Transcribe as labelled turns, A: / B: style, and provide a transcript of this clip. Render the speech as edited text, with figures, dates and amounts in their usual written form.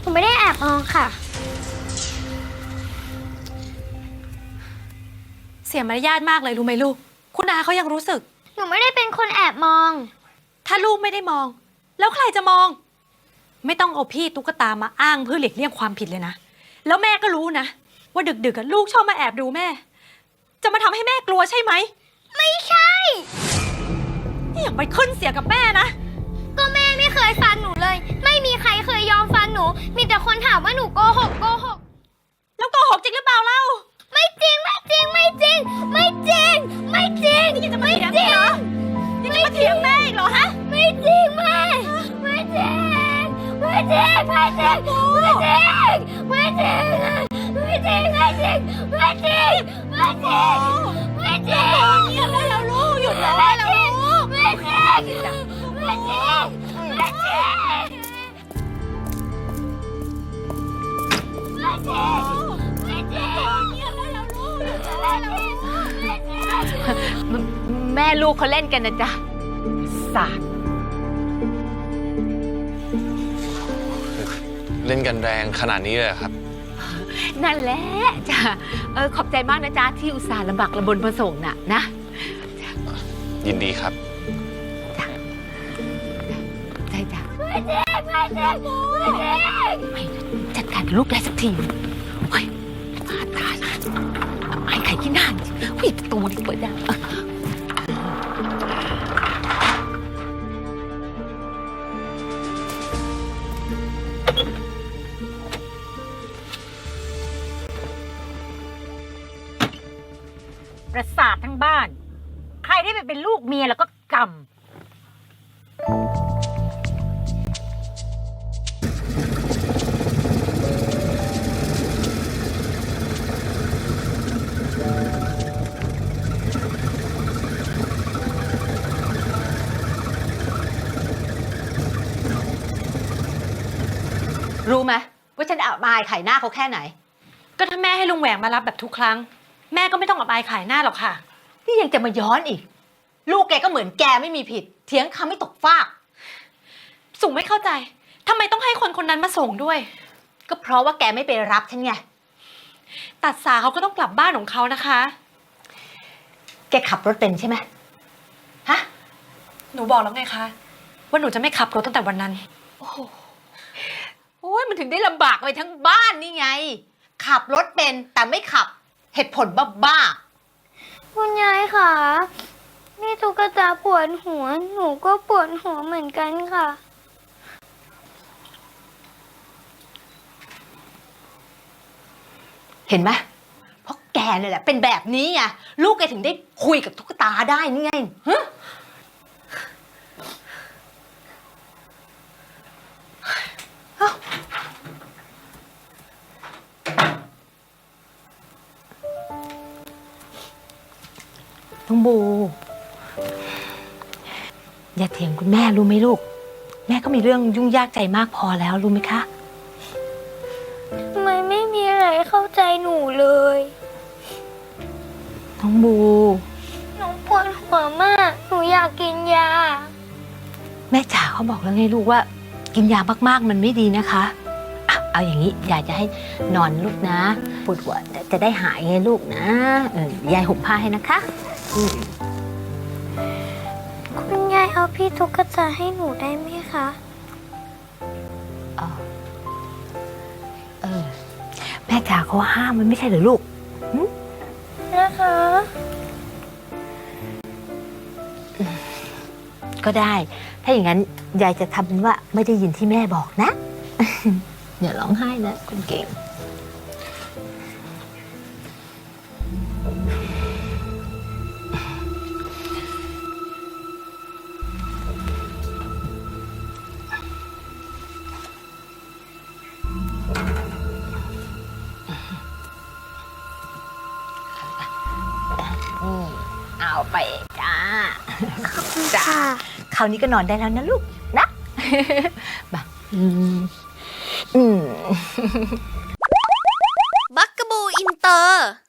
A: นูไม่ได้แอบมองค่ะ
B: เสียมารยาทมากเลยรู้ไหมลูกคุณอาเขายังรู้สึก
A: หนูไม่ได้เป็นคนแอบมอง
B: ถ้าลูกไม่ได้มองแล้วใครจะมองไม่ต้องเอาพี่ตุ๊กตามาอ้างเพื่อหลีกเลี่ยงความผิดเลยนะแล้วแม่ก็รู้นะว่าดึกๆลูกชอบมาแอบดูแม่จะมาทำให้แม่กลัวใช่ไหม
A: ไม่ใช่
B: นี่อย่าไปขึ้นเสียงกับแม่นะ
A: ก็แม่ไม่เคยฟันหนูเลยไม่มีใครเคยยอมฟันหนูมีแต่คนถามว่าหนูโกหก
B: แล้วโกหกจริงหรือเปล่าเล่า
A: ไม่จริงไม่จริงไม่จริงไม่จริงไม่จริง
B: นี่ยังจะมาเถียงเหรอยังจะมาเถียงแม่อีกเหรอฮะ
A: ไม่จริงแม่ไม่จริงไม่จริงไม่จริงไม่จริงไม่จริงไม่จริงไม่จริงไม่จริงไม่จริงไม่จริง
B: หยุดได้แล้วลูกหยุดได้แล้วลูก
A: ไม่จริงไม่จริงไม่จริงไม่จริง
C: แม่ลูกเขาเล่นกันนะจ๊ะสาด
D: เล่นกันแรงขนาดนี้เลยครับ
C: นั่นแหละจ้ะขอบใจมากนะจ๊ะที่อุตส่าห์ลำบากลำบนมาส่งน่ะนะ
D: ยินดีครับ
C: จ้ะใจจ้ะ
A: ไม่จริงไม่จริง
C: ไม่จัดการลูกได้สักทีเฮ้ยมาตายไอ้ไข่ขี้หน้าเฮ้ยประตูนี่เปิดได้
E: ประสาททั้งบ้านใครได้ไปเป็นลูกเมียแล้วก็กรรม
C: รู้ไหมว่าฉันอับอายขายหน้าเขาแค่ไหน
B: ก็ถ้าแม่ให้ลุงแหวงมารับแบบทุกครั้งแม่ก็ไม่ต้องอับอายขายหน้าหรอกค่ะ
C: นี่ยังจะมาย้อนอีกลูกแกก็เหมือนแกไม่มีผิดเถียงคำไม่ตกฟาก
B: สุไม่เข้าใจทำไมต้องให้คนคนนั้นมาส่งด้วย
C: ก็เพราะว่าแกไม่ไปรับฉันไง
B: ตัดสาเขาก็ต้องกลับบ้านของเขานะคะ
C: แกขับรถเป็นใช่ไหมฮะ
B: หนูบอกแล้วไงคะว่าหนูจะไม่ขับรถตั้งแต่วันนั้น
C: โอ้ยมันถึงได้ลำบากไปทั้งบ้านนี่ไงขับรถเป็นแต่ไม่ขับเหตุผลบ้า
A: คุณยายค่ะนี่ตุ๊กตาปวดหัวหนูก็ปวดหัวเหมือนกันค่ะ
C: เห็นไหมเพราะแกเนี่ยแหละเป็นแบบนี้ไงลูกแกถึงได้คุยกับตุ๊กตาได้นี่ไงฮะน้องบูอย่าเถียงคุณแม่รู้ไหมลูกแม่ก็มีเรื่องยุ่งยากใจมากพอแล้วรู้ไหมคะ
A: ทำไมไม่มีอะไรเข้าใจหนูเลย
C: น้องบู
A: หนูปวดหัวมากหนูอยากกินยา
C: แม่จ๋าเขาบอกแล้วไงลูกว่ากินยามากๆมันไม่ดีนะคะเอาอย่างนี้ยายจะให้นอนลูกนะปวดหัวจะได้หายไงลูกนะยายห่มผ้าให้นะคะ
A: คุณยายเอาพี่ตุ๊กตาให้หนูได้ไหมคะ
C: แม่จ๋าเขาห้ามมันไม่ใช่เหรอลูก
A: นะคะ
C: ก็ได้ถ้าอย่างนั้นยายจะทำเป็นว่าไม่ได้ยินที่แม่บอกนะอย่าร้องไห้นะคุณเก่งเอาไปจ้าจ้าคราวนี้ก็นอนได้แล้วนะลูกนะบัก
A: บักกะบูอินเตอร์